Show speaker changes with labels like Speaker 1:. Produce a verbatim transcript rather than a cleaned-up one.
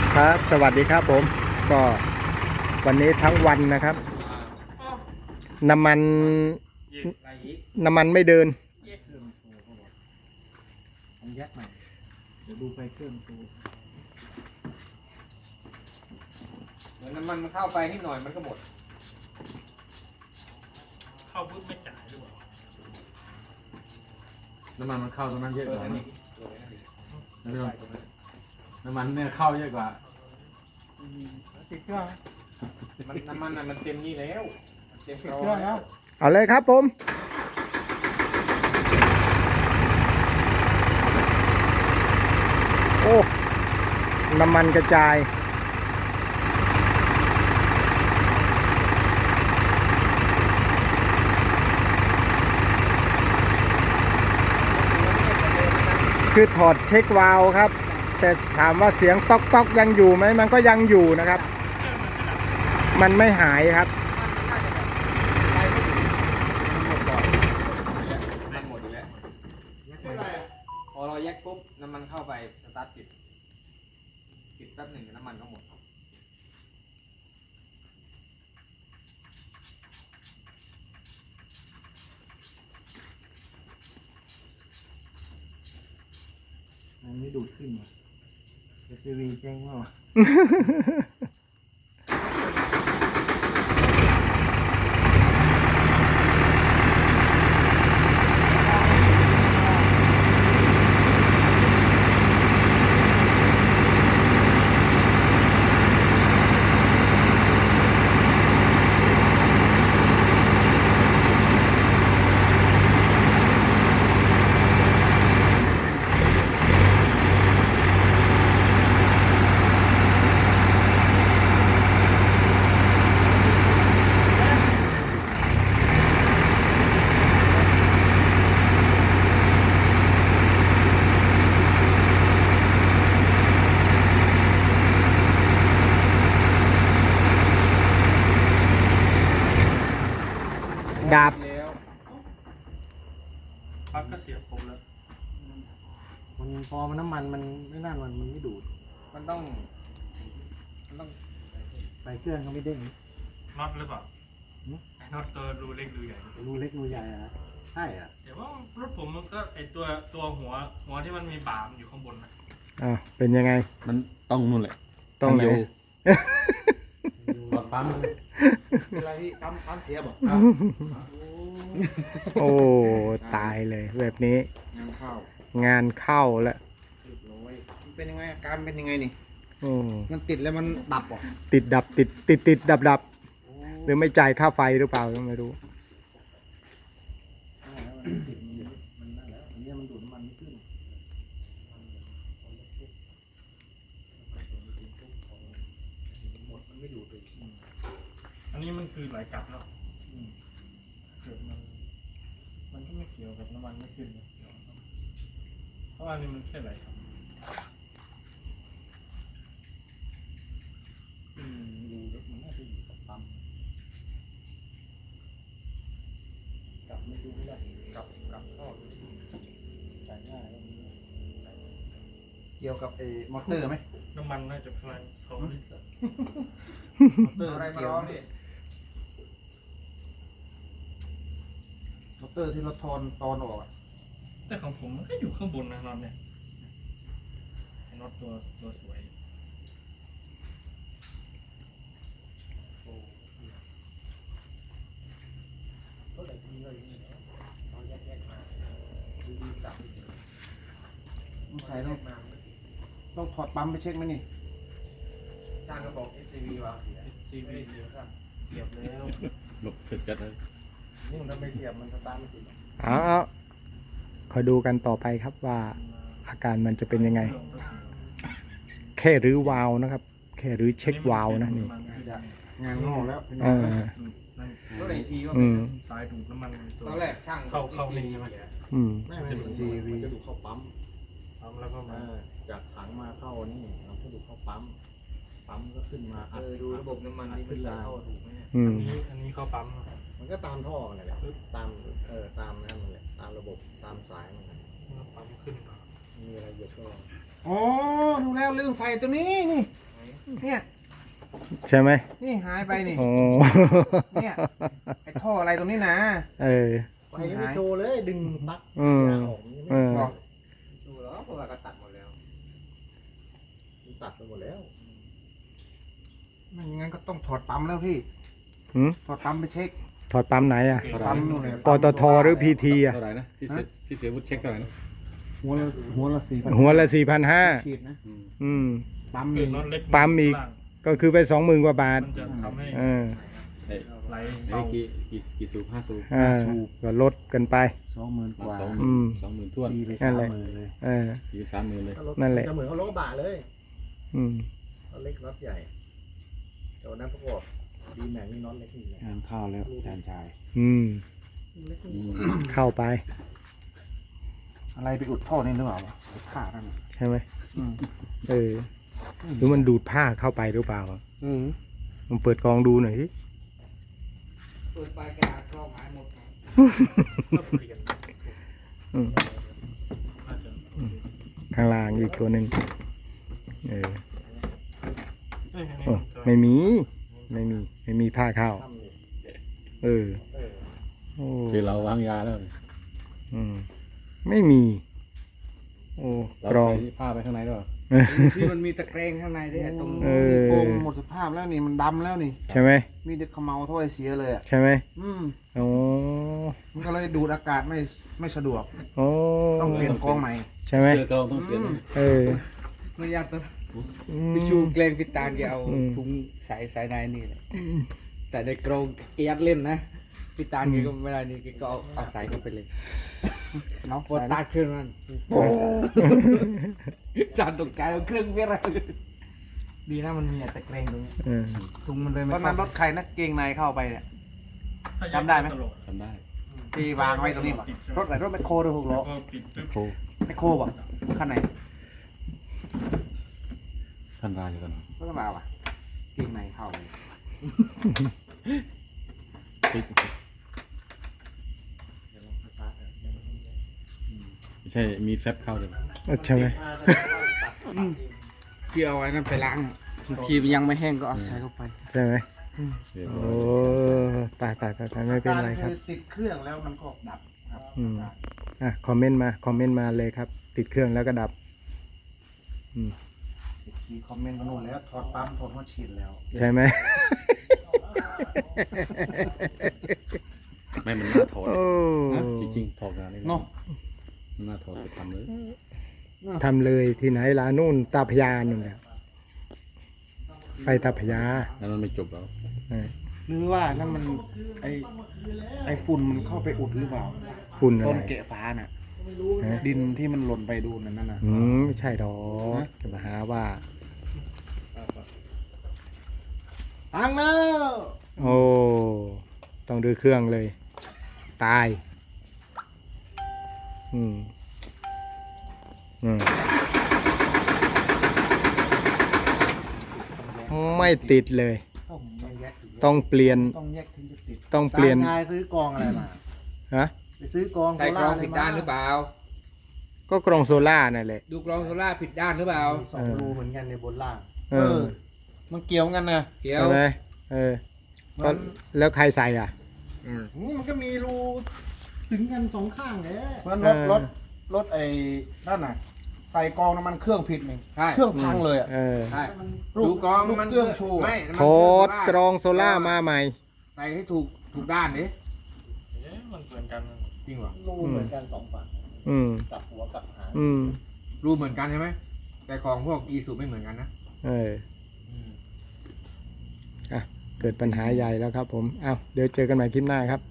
Speaker 1: ครับสวัสดีครับผมก็วันนี้ทั้งวันนะครับน้ำมันน้ำมันไม่เดิน
Speaker 2: มันยักใหม่เดี๋ยวดูไฟเครื่องดู
Speaker 3: เหมือนน้ำมันมันเข้าไปนิดหน่อยมันก็หมด
Speaker 4: เข้าปุ๊บไม่จ่ายหรือเปล่า
Speaker 2: น้ำมันมันเข้าตรงนั้นเยอะกว่านี่น้ำมันเนี่ยเข้าเยอะกว่าติดเครื่อง
Speaker 3: มันน้ำมันน่ะมันเต็มนี่แล้วเต็ม
Speaker 2: ติด
Speaker 3: รอ
Speaker 2: เครื่องแล้ว
Speaker 1: เอาเลยครับผมโอ้น้ำมันกระจายคือถอดเช็ควาล์วครับแต่ถามว่าเสียงต๊อกต๊อกยังอยู่ไหมมันก็ยังอยู่นะครับมันไม่หายครับ
Speaker 3: มันหมดอยู่แล้วพอเราแยกปุ๊บน้ำมันเข้าไปสตาร์ทติดติดแป๊บหนึ่งน้ำมันก็หมด
Speaker 2: มันไม่ดูดขึ้นมาทีวีแจ้งว่า
Speaker 1: ดาบ
Speaker 3: แล้ว
Speaker 4: ปลั๊กก็เสียผมแล้ว
Speaker 2: มันพอมันน้ำมันมันไม่นั่นมันมันไม่ดูด
Speaker 3: มันต้องมันต้อง
Speaker 2: ไฟเครื่องก็ไม่เด้ง
Speaker 4: น็อตหรือเปล่าไอ้น็อตตัวรูเล็กรูใหญ่
Speaker 2: รูเล็กรูใหญ่อะใช่อ่ะ
Speaker 4: แต่ว่ารถผมมันก็ไอตัวตัวหัวหัวที่มันมีบ่ามอยู่ข้างบนนะ
Speaker 1: อ่าเป็นยังไง
Speaker 2: มันต้องนู่นแหละ
Speaker 1: ต้องไหน
Speaker 2: ปั๊ม
Speaker 3: เวลาที่ปั๊มปั๊มเสียบอก
Speaker 1: โอ้ตายเลยแบบนี้
Speaker 3: งานเข้าง
Speaker 1: านเข้าแล้ว
Speaker 3: เรียบร้อยมันเป็นยังไงอาการเป็นยังไงนี่
Speaker 1: โอ้
Speaker 3: มันติดแล้วมันดับเหรอ
Speaker 1: ติดดับติดติดติดดับดับหรือไม่จ่ายค่าไฟหรือเปล่าก็ไม่รู้
Speaker 2: มันนั่นแล้วอันนี้มันดูดน้ำมันไม่ขึ้น
Speaker 3: มันไม่ดูดเลย
Speaker 4: อันนี้มันคือไหลกลับเนาะ
Speaker 2: เกิดมันมันก็ไม่เกี่ยวกับน้ำมันไม่ขึ้นนะ
Speaker 4: เพราะว่านี่มันแค่ไหลกลับ
Speaker 2: อืมดูแล้วมันน่าจะอยู่กับปั๊มกลับไม่ดูไม่ได้
Speaker 3: กลับกลับท่อ
Speaker 2: ใส่ง่ายแล้วมัน
Speaker 3: เกี่ยวกับไอ้มอเตอร์ไหม
Speaker 4: น้ำมันน่าจะประมาณสองลิตร
Speaker 2: มอเตอร์
Speaker 3: อะไรมา
Speaker 2: เกี่ยว
Speaker 3: ร้องดิ
Speaker 2: มอเตอร์ที่เราทอนตอนออกอะ
Speaker 4: แต่ของผมมันก็อยู่ข้างบนนะน็อตเนี่ยไอ้น็อตตัวตัวสวย
Speaker 2: ต้องใส่ต้องต้องถอดปั๊มไปเช็คไหมนี่
Speaker 3: ช่างก็บอก เอส ซี วี วะ
Speaker 4: ซีวี
Speaker 3: เสียครับ
Speaker 4: เสียบแล้ว
Speaker 2: หลบถึกจัดเลยนี่มันไม่เสียบมันสตาร์ทไม่ติด
Speaker 1: เอาเอาคอยดูกันต่อไปครับว่าอาการมันจะเป็นยังไง แค่รื้อวาล์วนะครับ แค่รื้อเช็ควาล์วนะนี่
Speaker 2: งานงอกแล้ว
Speaker 1: เออ
Speaker 3: ก็เลยทีว่า
Speaker 1: อืม
Speaker 4: สายดูดน้ำมันตัว
Speaker 3: ตอนแรกช่าง
Speaker 4: เข้าเข้านี่ใช่ไหม
Speaker 1: อืม
Speaker 2: ไม่ไม่ซีวีจะดูเข้าปั๊ม
Speaker 4: ทำแล้วก็มา
Speaker 2: จากถังมาเข้านี่เราก็ดูเข้าปั๊มปั๊มก็ขึ้นมา
Speaker 3: เออดูระบบน้ำมันนี่มันเข้าถูกไหมเนี่ย
Speaker 1: อื
Speaker 4: อั
Speaker 1: ม
Speaker 4: นนี้อันนี้เข้าปั๊ม
Speaker 2: มันก็ตามท่อนั่นแหละตามเออตามนั่นแหละตามระบบตามสายมัน
Speaker 4: ปั๊มขึ้นมา
Speaker 2: มีอะไรเยอะก็
Speaker 3: อ๋อดูแล้วลืมใส่ตัวนี้นี่
Speaker 4: น
Speaker 3: เนี่ย
Speaker 1: ใช่ไหม
Speaker 3: นี่หายไปนี่
Speaker 1: โอ้
Speaker 3: เนี่ยไอ้ท่ออะไรตรงนี้นะ
Speaker 1: เออ
Speaker 2: ไปยังไม่โชว์เลยดึงปลั๊ก
Speaker 1: อืม
Speaker 2: ยางออกยัง
Speaker 1: เอ
Speaker 2: ไม่
Speaker 1: อ
Speaker 3: บอกดูแล้วเพราะว่าก็ตัดหมดแล้ว
Speaker 2: ตัดไปหมดแล้ว
Speaker 3: ไม่งั้นก็ต้องถอดปั๊มแล้วพี่
Speaker 1: หืม
Speaker 3: ถอดปั๊มไปเช็ค
Speaker 1: ถอดปั๊มไหนอ่ะ
Speaker 3: ปั๊มนู่นเลย
Speaker 1: ปตทหรือพีทีอ่ะ
Speaker 5: เท่าไหร่นะที่เสียที่เสียวุฒิเช็คเท่าไหร่นะ
Speaker 3: หัวละหัวละสี่พัน
Speaker 1: หัวละสี่พันห้า
Speaker 3: ขีดนะ
Speaker 5: อืม
Speaker 1: อืม
Speaker 3: ปั๊ม
Speaker 4: เกิ
Speaker 3: นี่
Speaker 4: ดน็อตเล็ก
Speaker 1: ปั๊มอีก
Speaker 4: ล่าง
Speaker 1: ก็คือไปสองหมื่นกว่าบาท
Speaker 4: มันจะทำให้
Speaker 1: เออ
Speaker 5: ไอ้
Speaker 4: ไหล
Speaker 5: ไอ้
Speaker 4: เบา
Speaker 5: กี่กี่กี่สูบห้าสูบ
Speaker 1: อ่าก็ลดกันไป
Speaker 3: สองหมื่นกว่า
Speaker 5: สองห
Speaker 1: อื
Speaker 5: มื่น
Speaker 1: ม
Speaker 5: สองหมื่นท้วน
Speaker 3: ตีไป
Speaker 1: นั่
Speaker 3: สาน ม
Speaker 1: แหละ
Speaker 3: หมื่นเลย
Speaker 1: เออ
Speaker 5: ทีสามหมื่นเลย
Speaker 2: ถ้ารถ
Speaker 1: นั่นแหละ
Speaker 2: จะเหมือนเขารถกระบะเลย
Speaker 1: อืม
Speaker 2: รถเล็กรถใหญ่แต่วันนั้นประกอบดีแม็กนี่น็อตเล็กนี่แหละ
Speaker 3: งานเข้าแล้วอาจารย์ชาย
Speaker 1: อืม
Speaker 2: เล็ก
Speaker 5: อื
Speaker 2: นี่
Speaker 5: ม
Speaker 1: เข้าไป
Speaker 3: อะไรไปอุดท่อนี่หรือเปล่าวะผ้านั่นน่ะ
Speaker 1: ใช่ไหม
Speaker 3: อืม
Speaker 1: เออ หรือมันดูดผ้าเข้าไปหรือเปล่า
Speaker 3: อืม
Speaker 1: มันเปิดกองดูหน่อยสิ
Speaker 3: เปิดปลายกระดาษกรองหายหมด
Speaker 4: ก็เปลี่ยน
Speaker 1: อืม
Speaker 4: น่าจะ
Speaker 1: ข้างล่างอีกตัวหนึ่งเออ
Speaker 4: เอ้ยอันนี้
Speaker 1: โอ้
Speaker 4: มันจะ
Speaker 1: ไม่มี ไม่มี ไม่มีผ้าเข้า
Speaker 2: ทำนี่
Speaker 1: เออ
Speaker 2: เออ
Speaker 1: โอ้
Speaker 5: คือเราวางยาแล้ว
Speaker 1: อืม ไม่มี โอ้
Speaker 5: เรา
Speaker 1: กรอง
Speaker 5: ใส่ผ้าไปข้างในด้วย
Speaker 3: ที่มันมีตะเกรงข้างในด้วยตรง
Speaker 1: เออ
Speaker 3: โป่งหมดสภาพแล้วนี่มันดำแล้วนี่
Speaker 1: ใช่ไหม
Speaker 3: มีแต่เขมเมาถ้อยเสียเลยอ่ะ
Speaker 1: ใช่ไหม
Speaker 3: อืม
Speaker 1: โอ้
Speaker 3: มันก็เลยดูดอากาศไม่ไม่สะดวก
Speaker 1: โอ้
Speaker 3: ต้องเปลี่ยนกรองใหม่
Speaker 1: ใช่ไหม
Speaker 5: เสื้อกรองต้องเปลี่ยน
Speaker 3: อืม
Speaker 1: เออ
Speaker 6: ไม่อยากตัว
Speaker 1: อืม
Speaker 6: พี่ชูเกรงพี่ตาลแกเอา
Speaker 1: อืม
Speaker 6: ถุงใส่ใส่ในนี่แหละแต่ในกรงแกยัดเล่นนะพี่ตาลแกก็ไม่ได้นี่แกก็เอาเอาใส่เข้าไปเลย
Speaker 3: เนาะ
Speaker 6: พอตาขึ้นมันจานตกใจเอาเครื่องเวลาดีนะมันมีตะเกรงตรงนี้
Speaker 1: เออ
Speaker 6: ถุงมันเลยไม่
Speaker 3: ตอนนั้นรถใครนะเกงในเข้าไปเนี่ย
Speaker 4: ถ้า
Speaker 3: จำได้ไหม
Speaker 4: ตลก
Speaker 5: ทำได้
Speaker 3: ที่วางไว้ตรงนี้ป่ะรถไหนรถแมคโครหรือหกล้อ
Speaker 4: ก็ปิดปึ๊บ
Speaker 5: โค
Speaker 3: แมคโครป่ะคันไหน
Speaker 5: ท่านรายอยู่กัน
Speaker 3: รถกระบะป่ะเกงในเข้าไป
Speaker 5: ปิด
Speaker 2: เดี๋ยวลองสตาร์ทอ่ะเดี๋ยวมันจะ
Speaker 5: ไม่ใช่มีแฟบเข้าเลย
Speaker 1: ใช่ไหม
Speaker 2: อ่าแต่ว่าตัดตัดเอง
Speaker 6: พี่เอาไว้นั่นไปล้างบางทีมันยังไม่แห้งก็เอาใส่เข้าไป
Speaker 1: ใช่ไหม
Speaker 5: เดี๋ยว
Speaker 1: โอ้ตายตายตายตายไม่เป็นไรครับ
Speaker 3: อติดเครื่องแล้วมันก็ดับครับ
Speaker 1: อืม อ่ะ คอมเมนต์มา คอมเมนต์มาเลยครับ ติดเครื่องแล้วก็ดับ อืม
Speaker 3: ทีคอมเมนต์มาโน่นแล้วถอดปั๊มถอดหัวฉีดแล้ว
Speaker 1: ใช่ไหม
Speaker 5: ไม่มันน่าถอด
Speaker 1: โอ้
Speaker 5: จริงๆถอดงานนี่
Speaker 3: เนาะ
Speaker 5: มันน่าถอดไปทำเลย
Speaker 1: ทำเลยที่ไหนล่ะนู่นตาพยานู่นแหละไปตาพยา
Speaker 5: แล้วมันไม่จบแล้ว
Speaker 1: เออ
Speaker 3: หรือว่านั่นมันไอไอฝุ่นมันเข้าไปอุดหรือเปล่า
Speaker 1: ฝุ่นอะ
Speaker 3: ต้น
Speaker 1: ไร
Speaker 3: เกะฟ้าน่ะ
Speaker 1: ฮะ
Speaker 3: ดินที่มันหล่นไปดูนั่นน่ะ
Speaker 1: อืมไม่ใช่ดอกจะมาหาว่า
Speaker 3: พังแล้ว
Speaker 1: โอ้ ต้องดูเครื่องเลย ตาย อืม อืม ไม่ติดเลย
Speaker 3: ต้องแยก
Speaker 1: ต้องเปลี่ยน
Speaker 3: ต้องแยกถึงจะติด
Speaker 1: ต้องเปลี่ยน
Speaker 2: ตามงานซื้อกองอะไรมา
Speaker 1: ฮะ
Speaker 2: ไปซื้อกอง
Speaker 6: ใส่กรอง
Speaker 2: โซล่า
Speaker 6: ผิดด้านหรือเปล่า
Speaker 1: ก็กรองโซล่านั่นแหละ
Speaker 6: ดูกรองโซล่าผิดด้านหรือเปล่า
Speaker 2: สองรูเหมือนกันในบนล่าง
Speaker 1: เออ
Speaker 3: มันเกี่ยวกันนะ
Speaker 6: เกี่ยว
Speaker 1: ใช่ไหมเออ ก็แล้วใครใส่อ่ะ
Speaker 6: อืม
Speaker 2: นี่มันก็มีรูถึงกันสองข้างแหละ
Speaker 3: เพราะรถรถรถไอ้นั่นน่ะ ใส่กรองน้ำมันเครื่องผิดนี่
Speaker 6: ใช่
Speaker 3: เครื่องพังเลยอ่ะ
Speaker 1: เออ
Speaker 6: ใช่
Speaker 3: ลูก
Speaker 6: ดูกรอง
Speaker 3: ลูก
Speaker 6: มัน
Speaker 3: เครื่องโชว์
Speaker 6: ไม่น้ำมัน
Speaker 1: โทษ
Speaker 6: เค
Speaker 1: กร
Speaker 6: รื่
Speaker 1: องโซล่ามาใหม่
Speaker 6: ใส่ให้ถูกถูกด้านดิ
Speaker 4: เอ๊ะมันเหมือนกันนะ
Speaker 6: จริงเหรอ
Speaker 2: รูเหมือนกันสองฝั่ง
Speaker 1: อืม
Speaker 2: กลับหัวกลับหาง
Speaker 1: อืม
Speaker 6: รูเหมือนกันใช่ไหมแต่ของพวกอีซูไม่เหมือนกันนะ
Speaker 1: เออ อ่ะ เกิดปัญหาใหญ่แล้วครับผม เอาเดี๋ยวเจอกันใหม่คลิปหน้าครับ